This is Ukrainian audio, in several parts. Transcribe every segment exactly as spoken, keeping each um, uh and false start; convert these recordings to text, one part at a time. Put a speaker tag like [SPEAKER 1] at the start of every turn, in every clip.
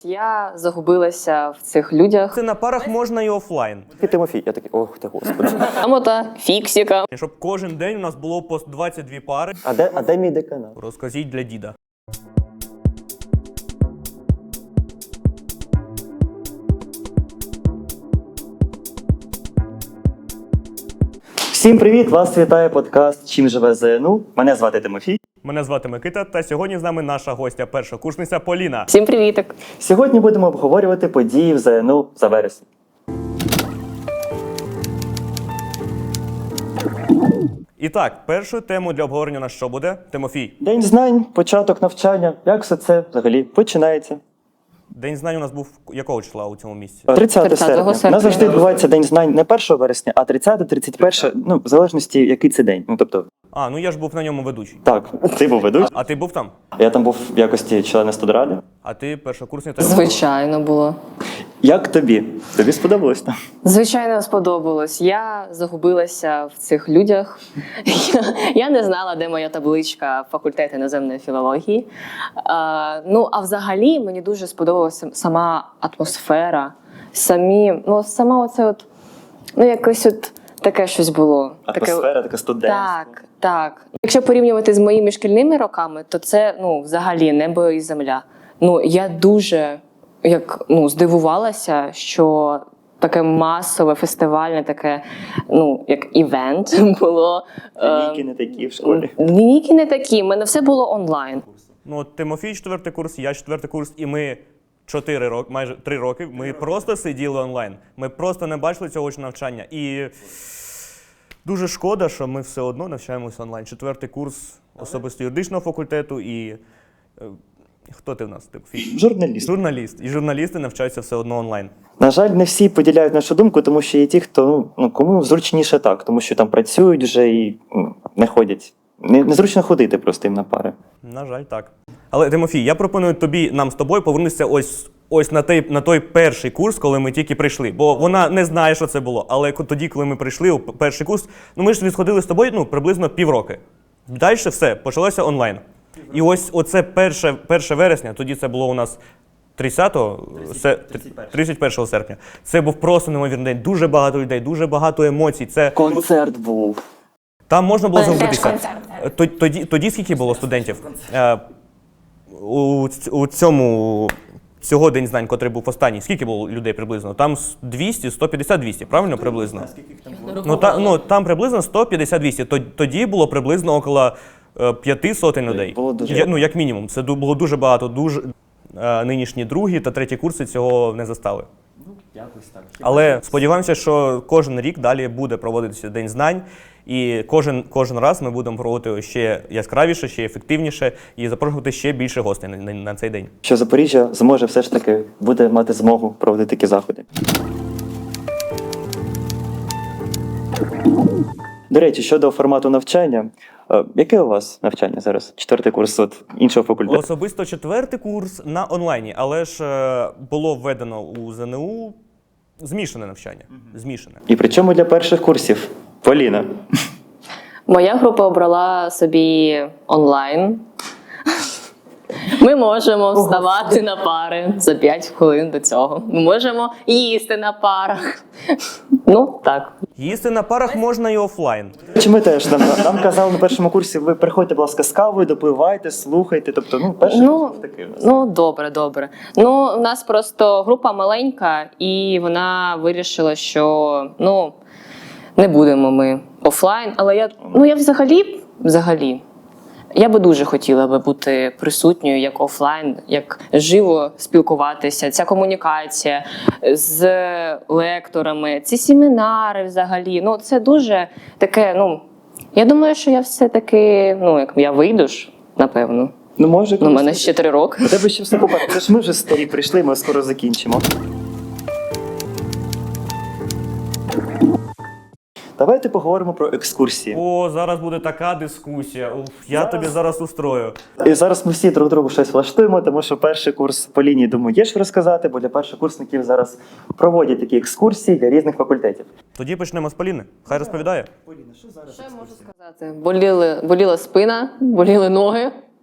[SPEAKER 1] Я загубилася в цих людях.
[SPEAKER 2] Це на парах можна і офлайн.
[SPEAKER 3] І Тимофій, я такий, ох ти господи.
[SPEAKER 1] Амота, фіксіка.
[SPEAKER 2] Щоб кожен день у нас було по двадцять дві пари.
[SPEAKER 3] А де, а де мій деканат?
[SPEAKER 2] Розкажіть для діда.
[SPEAKER 3] Всім привіт! Вас вітає подкаст «Чим живе ЗНУ». Мене звати Тимофій.
[SPEAKER 2] Мене звати Микита, та сьогодні з нами наша гостя, першокурсниця Поліна.
[SPEAKER 1] Всім привітик.
[SPEAKER 3] Сьогодні будемо обговорювати події в ЗНУ за вересень.
[SPEAKER 2] І так, першою темою для обговорення у нас що буде? Тимофій.
[SPEAKER 3] День знань, початок навчання. Як все це взагалі починається?
[SPEAKER 2] День знань у нас був якого числа у цьому місці?
[SPEAKER 3] тридцятого
[SPEAKER 1] тридцятого
[SPEAKER 3] серпня. У нас завжди відбувається День знань не першого вересня, а тридцятого, тридцять першого, ну, в залежності, який це день. Ну, тобто,
[SPEAKER 2] А, ну я ж був на ньому ведучий.
[SPEAKER 3] так, ти був ведучий.
[SPEAKER 2] А ти був там?
[SPEAKER 3] Я там був в якості члена студради.
[SPEAKER 2] А ти першокурсниця?
[SPEAKER 1] Звичайно було.
[SPEAKER 3] Як тобі? Тобі сподобалось там?
[SPEAKER 1] Звичайно, сподобалось. Я загубилася в цих людях. Я, я не знала, де моя табличка факультету іноземної філології. А, ну, а взагалі мені дуже сподобалася сама атмосфера, самі, ну, сама оце от, ну, якось от таке щось було.
[SPEAKER 3] Атмосфера,
[SPEAKER 1] таке,
[SPEAKER 3] така студентська.
[SPEAKER 1] Так, так. Якщо порівнювати з моїми шкільними роками, то це, ну, взагалі небо і земля. Ну, я дуже, як, ну, здивувалася, що таке масове, фестивальне, таке, ну, як івент було.
[SPEAKER 3] Лінійки не такі в школі.
[SPEAKER 1] Лінійки не такі, в мене все було онлайн.
[SPEAKER 2] Ну, от Тимофій четвертий курс, я четвертий курс, і ми чотири роки, майже три роки, ми просто сиділи онлайн. Ми просто не бачили цього очного навчання. І дуже шкода, що ми все одно навчаємося онлайн. Четвертий курс особисто юридичного факультету і... е, Хто ти в нас, Тимофій?
[SPEAKER 3] Журналіст.
[SPEAKER 2] Журналіст. І журналісти навчаються все одно онлайн.
[SPEAKER 3] На жаль, не всі поділяють нашу думку, тому що є ті, хто, ну, кому зручніше так, тому що там працюють вже і ну, не ходять. Не, незручно ходити просто їм на пари.
[SPEAKER 2] На жаль, так. Але, Тимофій, я пропоную тобі, нам з тобою повернутися ось, ось на, той, на той перший курс, коли ми тільки прийшли. Бо вона не знає, що це було. Але тоді, коли ми прийшли у перший курс, ну ми ж відходили з тобою, ну, приблизно півроки. Далі все, почалося онлайн. І ось оце перше, перше вересня, тоді це було у нас тридцятого, тридцять першого серпня. Це був просто неймовірний день. Дуже багато людей, дуже багато емоцій. Це...
[SPEAKER 3] Концерт був.
[SPEAKER 2] Там можна було
[SPEAKER 1] Теж
[SPEAKER 2] загубитися.
[SPEAKER 1] концерт.
[SPEAKER 2] Тоді, тоді, тоді скільки було студентів? Е, у, у цьому, цього День знань, котрий був останній, скільки було людей приблизно? Там двісті, сто п'ятдесят, двісті, правильно приблизно? Ну, та, ну, там приблизно сто п'ятдесят, двісті. Тоді було приблизно около п'яти сотень людей.
[SPEAKER 3] Було дуже
[SPEAKER 2] Я, ну, як мінімум. Це було дуже багато. Дуже, е, нинішні другі та треті курси цього не застали.
[SPEAKER 3] Ну, якось так.
[SPEAKER 2] Але сподіваємося, що кожен рік далі буде проводитися День знань, і кожен, кожен раз ми будемо проводити ще яскравіше, ще ефективніше і запрошувати ще більше гостей на, на, на цей день.
[SPEAKER 3] Що Запоріжжя зможе все ж таки, буде мати змогу проводити такі заходи. До речі, щодо формату навчання, е, яке у вас навчання зараз? Четвертий курс от іншого факультету?
[SPEAKER 2] Особисто четвертий курс на онлайні, але ж е, було введено у ЗНУ змішане навчання. Змішане.
[SPEAKER 3] І причому для перших курсів? Поліна.
[SPEAKER 1] Моя група обрала собі онлайн. Ми можемо вставати на пари за п'ять хвилин до цього. Ми можемо їсти на парах. Ну, так.
[SPEAKER 2] Їсти на парах можна і офлайн.
[SPEAKER 3] Чи ми теж нам, нам казали на першому курсі, ви приходьте, будь ласка, з кавою, допивайте, слухайте. Тобто, ну, перший
[SPEAKER 1] Ну,
[SPEAKER 3] курс був такий у нас.
[SPEAKER 1] ну, добре, добре. Ну, у нас просто група маленька, і вона вирішила, що, ну, не будемо ми офлайн. Але я, ну, я взагалі, взагалі, я би дуже хотіла би бути присутньою як офлайн, як живо спілкуватися, ця комунікація з лекторами, ці семінари взагалі. Ну, це дуже таке, ну, я думаю, що я все-таки, ну, як я вийду ж, напевно.
[SPEAKER 3] Ну, може,
[SPEAKER 1] Ну, у мене ще три роки.
[SPEAKER 3] У тебе ще все попереду. Це ж ми вже старі прийшли, ми скоро закінчимо. Давайте поговоримо про екскурсії.
[SPEAKER 2] О, зараз буде така дискусія. Уф, я
[SPEAKER 3] Зараз-
[SPEAKER 2] тобі зараз устрою.
[SPEAKER 3] І зараз ми всі друг другу щось влаштуємо, тому що перший курс по лінії, думаю, є що розказати, бо для першокурсників зараз проводять такі екскурсії для різних факультетів.
[SPEAKER 2] Тоді почнемо з Поліни. Хай розповідає.
[SPEAKER 3] Поліна, що зараз?
[SPEAKER 1] Що я можу сказати? Боліли, боліла спина, боліли ноги.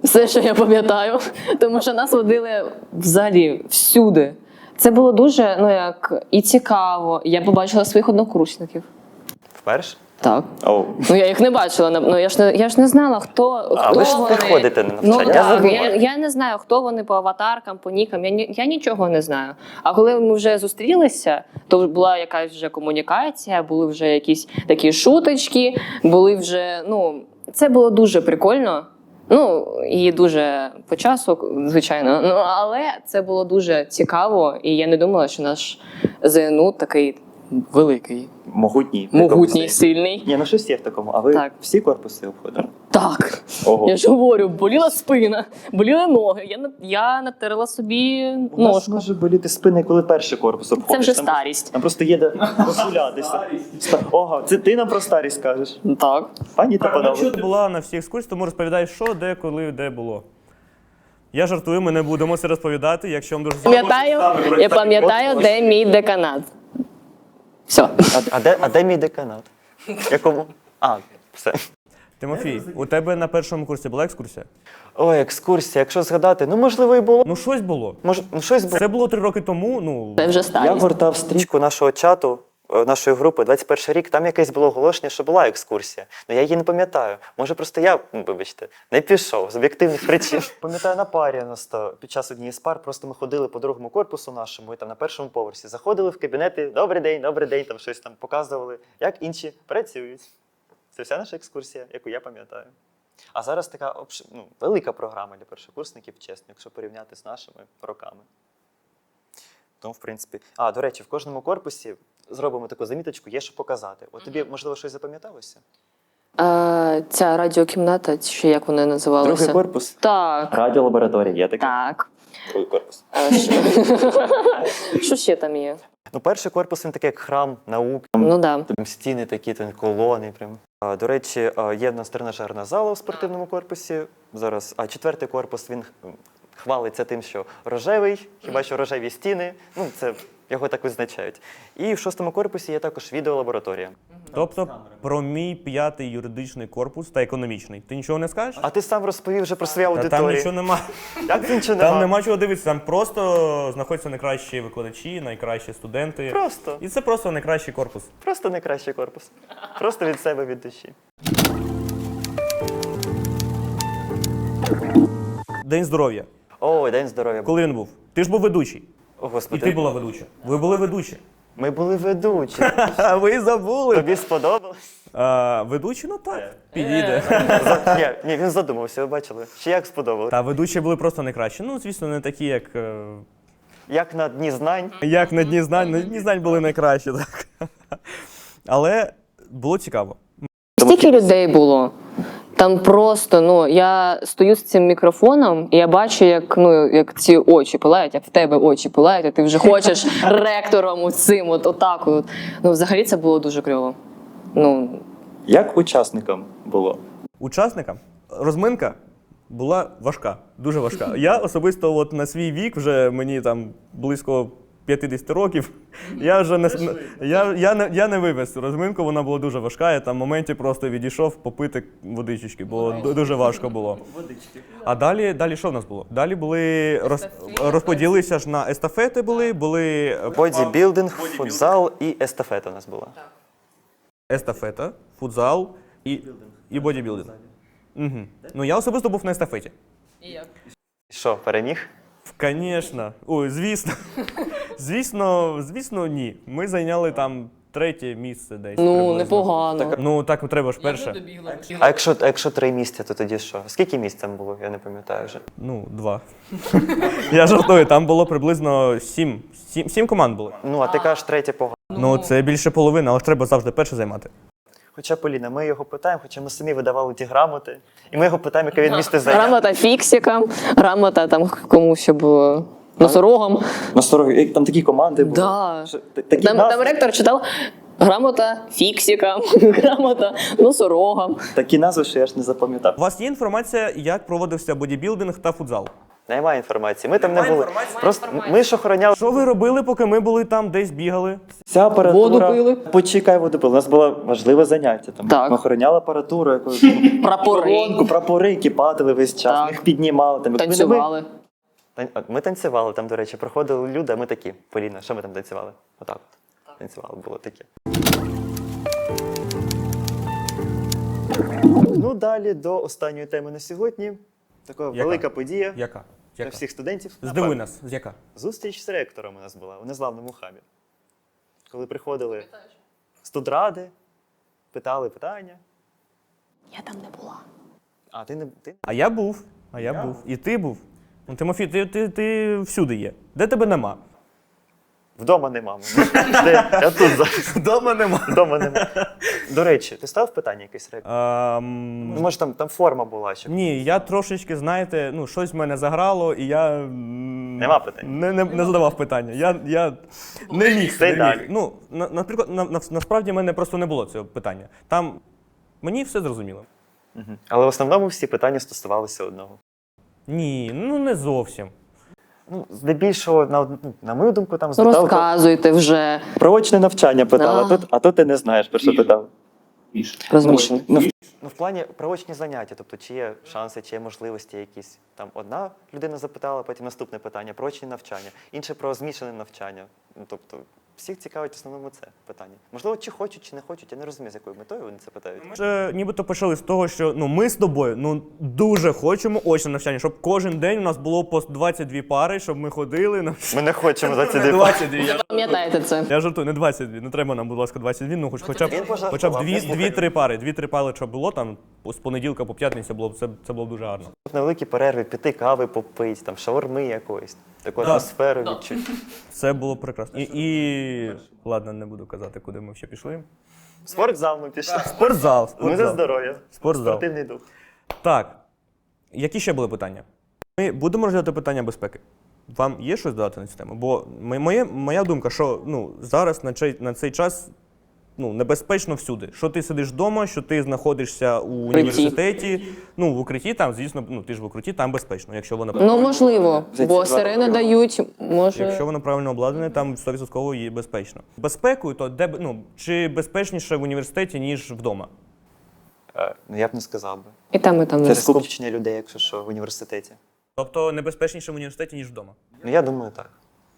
[SPEAKER 1] Все, що я пам'ятаю, тому що нас водили взагалі всюди. Це було дуже, ну як, і цікаво. Я побачила своїх однокурсників.
[SPEAKER 3] Вперше?
[SPEAKER 1] Так.
[SPEAKER 3] Оу.
[SPEAKER 1] Ну я їх не бачила, ну я ж не я ж не знала, хто,
[SPEAKER 3] А
[SPEAKER 1] хто
[SPEAKER 3] ви ж
[SPEAKER 1] вони.
[SPEAKER 3] не ходите на
[SPEAKER 1] Ну
[SPEAKER 3] навчання. Я
[SPEAKER 1] так,
[SPEAKER 3] забула.
[SPEAKER 1] я, я не знаю, хто вони по аватаркам, по нікам. Я ні- я нічого не знаю. А коли ми вже зустрілися, то була якась вже комунікація, були вже якісь такі шуточки, були вже, ну це було дуже прикольно. Ну і дуже по часу, звичайно. Ну але це було дуже цікаво, і я не думала, що наш ЗНУ такий великий,
[SPEAKER 3] Могутній.
[SPEAKER 1] могутній,
[SPEAKER 3] Такому
[SPEAKER 1] сильний.
[SPEAKER 3] Ні, ну щось є в такому. А ви
[SPEAKER 1] Так.
[SPEAKER 3] всі корпуси обходили?
[SPEAKER 1] Так.
[SPEAKER 3] Ого.
[SPEAKER 1] Я ж говорю, боліла спина, боліли ноги. Я, на- я натерла собі
[SPEAKER 3] У нас
[SPEAKER 1] ножку.
[SPEAKER 3] може боліти спини, коли перший корпус обходиш.
[SPEAKER 1] Це вже
[SPEAKER 3] Там-
[SPEAKER 1] старість.
[SPEAKER 3] Там просто є де розгулятися. Ста- Ого, це ти нам про старість кажеш.
[SPEAKER 1] Так.
[SPEAKER 3] Пані та
[SPEAKER 2] Якщо
[SPEAKER 3] панове.
[SPEAKER 2] ти була на всіх екскурсіях, тому розповідай, що, де, коли, де було. Я жартую, ми не будемо це розповідати, якщо вам дуже
[SPEAKER 1] Пам'ятаю, я пам'ятаю, де мій деканат. Все.
[SPEAKER 3] А, а, де, а де мій деканат? Якому? А, все.
[SPEAKER 2] Тимофій, у тебе на першому курсі була екскурсія?
[SPEAKER 3] Ой, екскурсія, якщо згадати, ну можливо і було.
[SPEAKER 2] Ну щось було.
[SPEAKER 3] Може, ну щось було.
[SPEAKER 2] Це було три роки тому, ну.
[SPEAKER 1] Це вже
[SPEAKER 3] Я
[SPEAKER 1] старість.
[SPEAKER 3] гортав стрічку нашого чату, е, нашої групи, двадцять перший рік, там якесь було оголошення, що була екскурсія. Ну я її не пам'ятаю. Може, просто я, ну, вибачте, не пішов з об'єктивних причин. Пам'ятаю, на парі нас то під час однієї з пар, просто ми ходили по другому корпусу нашому, і там на першому поверсі. Заходили в кабінети, добрий день, добрий день, там щось там показували, як інші працюють. Це вся наша екскурсія, яку я пам'ятаю. А зараз така обш... ну, велика програма для першокурсників, чесно, якщо порівняти з нашими роками. Тому, в принципі. А, до речі, в кожному корпусі зробимо таку заміточку, є що показати. От тобі, можливо, щось запам'яталося?
[SPEAKER 1] А, ця радіокімната, чи як вони називалися?
[SPEAKER 3] Другий корпус.
[SPEAKER 1] Так.
[SPEAKER 3] Радіолабораторія, є такий.
[SPEAKER 1] Так.
[SPEAKER 3] Другий корпус.
[SPEAKER 1] А, що? Що ще там є?
[SPEAKER 3] Ну, перший корпус, він такий, як храм наук.
[SPEAKER 1] Ну да.
[SPEAKER 3] Там стіни такі, там колони. Прям. А, до речі, а, є в нас тренажерна зала у спортивному корпусі. Зараз, а четвертий корпус, він х- хвалиться тим, що рожевий, хіба що рожеві стіни. Ну, це його так визначають. І в шостому корпусі є також відеолабораторія.
[SPEAKER 2] Тобто про мій п'ятий юридичний корпус та економічний. Ти нічого не скажеш?
[SPEAKER 3] А ти сам розповів вже про свою
[SPEAKER 2] Та
[SPEAKER 3] аудиторію.
[SPEAKER 2] там нічого нема.
[SPEAKER 3] Як це нічого
[SPEAKER 2] Там
[SPEAKER 3] нема?
[SPEAKER 2] нема чого дивитися, там просто знаходяться найкращі викладачі, найкращі студенти.
[SPEAKER 3] Просто.
[SPEAKER 2] І це просто найкращий корпус.
[SPEAKER 3] Просто найкращий корпус. Просто від себе, від душі.
[SPEAKER 2] День здоров'я.
[SPEAKER 3] О, день здоров'я.
[SPEAKER 2] Коли він був? Ти ж був ведучий.
[SPEAKER 3] О,
[SPEAKER 2] І
[SPEAKER 3] Господи.
[SPEAKER 2] ти була ведуча. Ви були ведучі.
[SPEAKER 3] Ми були ведучі.
[SPEAKER 2] А ви забули.
[SPEAKER 3] Тобі сподобалось?
[SPEAKER 2] А, ведучі, ну так, підійде.
[SPEAKER 3] За- Ні, ні, він задумався, ви бачили. Ще як сподобалось?
[SPEAKER 2] Та ведучі були просто найкращі. Ну, звісно, не такі, як. е,
[SPEAKER 3] Як на дні знань.
[SPEAKER 2] Як на дні знань. На дні знань були найкращі, так. Але було цікаво.
[SPEAKER 1] Стільки людей було. Там просто, ну, я стою з цим мікрофоном, і я бачу, як, ну, як ці очі пилають, як в тебе очі пилають, а ти вже хочеш ректором цим, от отак. От. Ну, взагалі це було дуже кльово. Ну,
[SPEAKER 3] Як учасникам було?
[SPEAKER 2] Учасникам розминка була важка, дуже важка. Я особисто от на свій вік, вже мені там близько п'ятдесят років, я вже не, я, я, не, я не вивез цю розминку, вона була дуже важка, я там в моменті просто відійшов попити водички, бо ду- дуже важко було. А далі, далі що в нас було? Далі були, роз, розподілилися ж на естафети були, були
[SPEAKER 3] Бодібілдинг, футзал і естафета у нас була.
[SPEAKER 2] естафета, футзал і, і бодібілдинг. Угу. Ну я особисто був на естафеті.
[SPEAKER 3] Що, переміг?
[SPEAKER 2] Звісно. Ой, звісно. Звісно, звісно, ні. Ми зайняли там третє місце десь.
[SPEAKER 1] ну
[SPEAKER 2] приблизно.
[SPEAKER 1] непогано.
[SPEAKER 2] Ну так треба ж перше.
[SPEAKER 3] А якщо, а якщо три місця, то тоді що? Скільки місць там було? Я не пам'ятаю вже.
[SPEAKER 2] Ну, два. Я жартую, там було приблизно сім. Сім, сім команд було.
[SPEAKER 3] Ну, а ти кажеш третє погано.
[SPEAKER 2] Ну, це більше половини, але ж треба завжди перше займати.
[SPEAKER 3] Хоча, Поліна, ми його питаємо, хоча ми самі видавали ті грамоти, і ми його питаємо, яке він місце зайняв.
[SPEAKER 1] Грамота фіксикам, грамота там комусь, щоб е, носорогам.
[SPEAKER 3] На там такі команди були.
[SPEAKER 1] Да.
[SPEAKER 3] Що, та- такі
[SPEAKER 1] Там,
[SPEAKER 3] назви,
[SPEAKER 1] там ректор читав грамота фіксикам, грамота носорогам.
[SPEAKER 3] такі назви, що я ж не запам'ятав.
[SPEAKER 2] У вас є інформація, як проводився бодібілдинг та футзал?
[SPEAKER 3] Немає інформації. Ми там не
[SPEAKER 2] Немає
[SPEAKER 3] були.
[SPEAKER 2] інформації?
[SPEAKER 3] Просто
[SPEAKER 1] Немає
[SPEAKER 3] ми ж охороняли.
[SPEAKER 2] Що ви робили, поки ми були там, десь бігали?
[SPEAKER 3] Вся апаратура.
[SPEAKER 1] Воду пили.
[SPEAKER 3] Почекай, воду пили. У нас було важливе заняття. Там.
[SPEAKER 1] Так.
[SPEAKER 3] Ми охороняли апаратуру, якусь
[SPEAKER 1] Прапори.
[SPEAKER 3] колонку, прапори, які падали весь час.
[SPEAKER 1] Так.
[SPEAKER 3] Ми їх піднімали. Там, якби не
[SPEAKER 1] Танцювали.
[SPEAKER 3] Ми, Тан- ми танцювали там, до речі, проходили люди, а ми такі. Поліна, що ми там танцювали? Отак от. Танцювали, було таке. Ну, далі до останньої теми на сьогодні. Така
[SPEAKER 2] Яка?
[SPEAKER 3] велика подія
[SPEAKER 2] Яка?
[SPEAKER 3] для
[SPEAKER 2] Яка?
[SPEAKER 3] всіх студентів.
[SPEAKER 2] Здиви
[SPEAKER 3] Напевно.
[SPEAKER 2] нас, з яка?
[SPEAKER 3] Зустріч з ректором у нас була у незламному хабі. Коли приходили студради, питали питання.
[SPEAKER 1] Я там не була.
[SPEAKER 3] А ти не ти?
[SPEAKER 2] А я був, а я, був. І ти був. Ну, Тимофій, ти, ти, ти всюди є. Де тебе нема?
[SPEAKER 3] Вдома нема. мене. Де? Я тут зараз.
[SPEAKER 2] Вдома нема.
[SPEAKER 3] Вдома нема. До речі, ти ставив питання якесь ректору?
[SPEAKER 2] Ем,
[SPEAKER 3] Ну, може, там, там форма була ще.
[SPEAKER 2] Ні, я трошечки, знаєте, ну, щось в мене заграло, і я. м,
[SPEAKER 3] Нема питань?
[SPEAKER 2] Не, не, не задавав питання. Я, я не міг.
[SPEAKER 3] Це й
[SPEAKER 2] Не
[SPEAKER 3] далі.
[SPEAKER 2] міг. Ну, на, наприклад, на, на, насправді в мене просто не було цього питання. Там мені все зрозуміло.
[SPEAKER 3] Мгм. Але в основному всі питання стосувалися одного.
[SPEAKER 2] Ні, ну не зовсім.
[SPEAKER 3] Ну, здебільшого, на, ну, на мою думку, там запитали про,
[SPEAKER 1] Розказуйте вже.
[SPEAKER 3] про очне навчання питали, а
[SPEAKER 1] А.
[SPEAKER 3] тут, а тут ти не знаєш, про що питав.
[SPEAKER 1] Розмішані.
[SPEAKER 3] Ну, в, ну, в плані про очні заняття, тобто чи є шанси, чи є можливості якісь. Там одна людина запитала, потім наступне питання про очні навчання, інше про змішане навчання. Ну, тобто, всіх цікавить в основному це питання. Можливо, чи хочуть, чи не хочуть, я не розумію, з якою метою вони це питають.
[SPEAKER 2] Ми ж е, нібито почали з того, що ну, ми з тобою ну, дуже хочемо очне навчання, щоб кожен день у нас було по двадцять дві пари, щоб ми ходили на
[SPEAKER 3] Ми не хочемо за ці дві
[SPEAKER 2] двадцять дві. Я,
[SPEAKER 1] Пам'ятаєте це?
[SPEAKER 2] я жартую, не двадцять дві. Не треба нам, будь ласка, двадцять дві, ну хоч, хоча б,
[SPEAKER 3] Він пожартував,
[SPEAKER 2] хоча б дві,
[SPEAKER 3] не слухай.
[SPEAKER 2] дві-три пари. Дві-три пари, що було там з понеділка по п'ятницю, було б це, це було б дуже гарно.
[SPEAKER 3] На великі перерви піти кави попити, там шаурми якоїсь, таку
[SPEAKER 2] Да.
[SPEAKER 3] атмосферу відчути.
[SPEAKER 2] Це було прекрасно. І, і... ладно, не буду казати, куди ми ще пішли.
[SPEAKER 3] В спортзал ми пішли.
[SPEAKER 2] Спортзал.
[SPEAKER 3] Ми за
[SPEAKER 2] спортзал.
[SPEAKER 3] здоров'я.
[SPEAKER 2] Спортзал.
[SPEAKER 3] Спортивний дух.
[SPEAKER 2] Так. Які ще були питання? Ми будемо розглядати питання безпеки. Вам є щось додати на цю тему? Бо м- моє, моя думка, що ну, зараз на цей, на цей час ну, небезпечно всюди. Що ти сидиш вдома, що ти знаходишся у університеті, ну, в укритті, там, звісно, ну, ти ж в укритті, там безпечно, якщо воно,
[SPEAKER 1] Ну, можливо,
[SPEAKER 3] За ці
[SPEAKER 1] бо
[SPEAKER 3] два
[SPEAKER 1] сирени
[SPEAKER 3] роки.
[SPEAKER 1] дають, може.
[SPEAKER 2] якщо воно правильно обладнане, там сто відсотків є безпечно. Безпекою, то де, б- ну, чи безпечніше в університеті, ніж вдома?
[SPEAKER 3] Е, Ну, я б не сказав би.
[SPEAKER 1] І там, і там.
[SPEAKER 3] Це
[SPEAKER 1] не
[SPEAKER 3] скупчення людей, якщо що, в університеті.
[SPEAKER 2] Тобто небезпечніше в університеті, ніж вдома?
[SPEAKER 3] Ну, я думаю, так.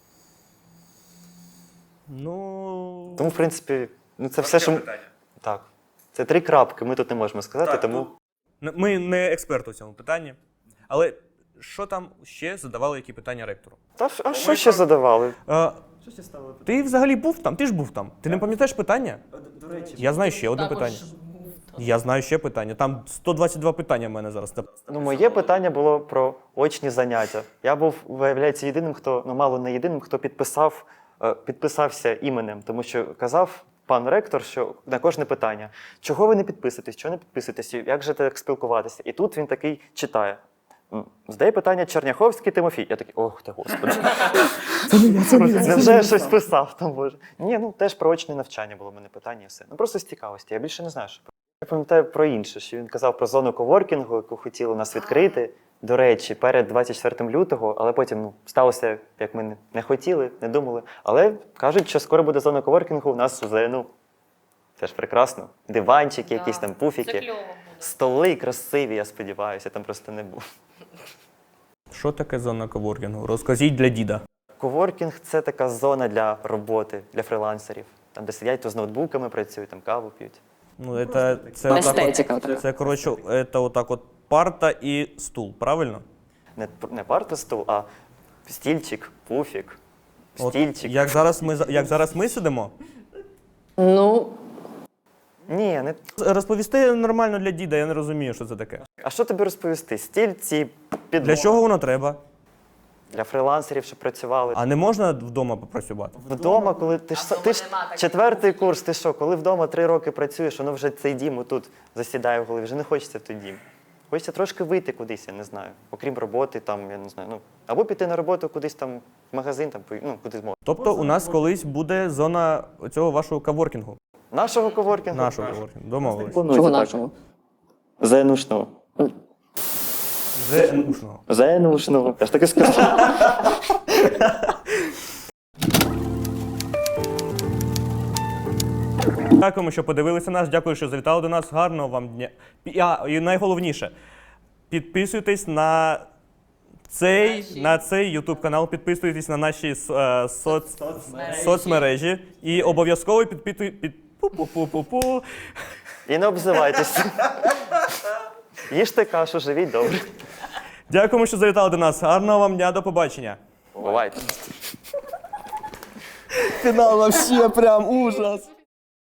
[SPEAKER 2] Ну...
[SPEAKER 3] Тому, в принципі, ну це все, що... ми- Так. Це три крапки, ми тут не можемо сказати, тому...
[SPEAKER 2] Н- Ми не експерти у цьому питанні. Але що там ще задавали, які питання ректору?
[SPEAKER 3] Та ж- а що ще задавали?
[SPEAKER 2] А, ти взагалі був там? Ти ж був там. Ти не пам'ятаєш питання?
[SPEAKER 3] До речі,
[SPEAKER 2] Я знаю ще одне питання. Я знаю ще питання. Там сто двадцять два питання в мене зараз.
[SPEAKER 3] ну, моє питання було про очні заняття. Я був, виявляється, єдиним, хто, ну мало не єдиним, хто підписав, е, підписався іменем, тому що казав пан ректор, що на кожне питання, чого ви не підписуєтесь, чого не підписуєтесь, як же так спілкуватися? І тут він такий читає. М, Здає питання Черняховський Тимофій. Я такий, ох ти господи. Невже я щось писав там, боже? Ні, ну теж про очне навчання було в мене питання і все. Ну просто з цікавості, я більше не знаю, що. Я пам'ятаю про інше, що він казав про зону коворкінгу, яку хотіли нас відкрити. До речі, перед двадцять четвертого лютого, але потім ну, сталося, як ми не- не хотіли, не думали. Але кажуть, що скоро буде зона коворкінгу у нас у ЗНУ. Теж прекрасно. Диванчики, якісь там пуфіки, столи красиві, я сподіваюся, я там просто не був.
[SPEAKER 2] Що таке зона коворкінгу? Розкажіть для діда.
[SPEAKER 3] Коворкінг – це така зона для роботи, для фрилансерів. Там, де сидять, то з ноутбуками працюють, там каву п'ють.
[SPEAKER 2] Ну, це, це, отак
[SPEAKER 1] Естетика
[SPEAKER 2] от,
[SPEAKER 1] така.
[SPEAKER 2] це, коротше, це отак от парта і стул, правильно?
[SPEAKER 3] Не, не парта стул, а стільчик, пуфік,
[SPEAKER 2] От,
[SPEAKER 3] стільчик.
[SPEAKER 2] як, зараз ми, за- як зараз ми сидимо,
[SPEAKER 1] Ну,
[SPEAKER 3] Ні, не...
[SPEAKER 2] розповісти нормально для діда, я не розумію, що це таке.
[SPEAKER 3] А що тобі розповісти? Стільці, підлога.
[SPEAKER 2] Для чого воно треба?
[SPEAKER 3] Для фрилансерів, щоб працювали.
[SPEAKER 2] А не можна вдома попрацювати?
[SPEAKER 3] Вдома, коли ти ж, ти ж четвертий курс, ти що, коли вдома три роки працюєш, воно вже цей дім тут засідає в голові, вже не хочеться в той дім. Хочеться трошки вийти кудись, я не знаю. Окрім роботи, там, я не знаю. Ну, або піти на роботу кудись там в магазин, там, ну, куди зможеш.
[SPEAKER 2] Тобто у нас колись буде зона цього вашого каворкінгу.
[SPEAKER 3] Нашого коворкінгу?
[SPEAKER 2] Нашого каворкінгу. Домовились.
[SPEAKER 1] чого нашого?
[SPEAKER 3] ЗНУшного.
[SPEAKER 2] ЗНУшного.
[SPEAKER 3] ЗНУшного. Я ж таки сказав.
[SPEAKER 2] Дякуємо, що подивилися нас. Дякую, що завітали до нас. Гарного вам дня. Пі- А, і найголовніше, підписуйтесь на цей, на цей YouTube канал, підписуйтесь на наші е, соц... соцмережі і обов'язково підпитуй... під... Пу-пу-пу-пу-пу.
[SPEAKER 3] І не обзивайтесь. Їжте кашу, живіть добре.
[SPEAKER 2] Дякуємо, що завітали до нас. Гарного вам дня, до побачення.
[SPEAKER 3] Бувайте.
[SPEAKER 2] Фінал вообще прям ужас.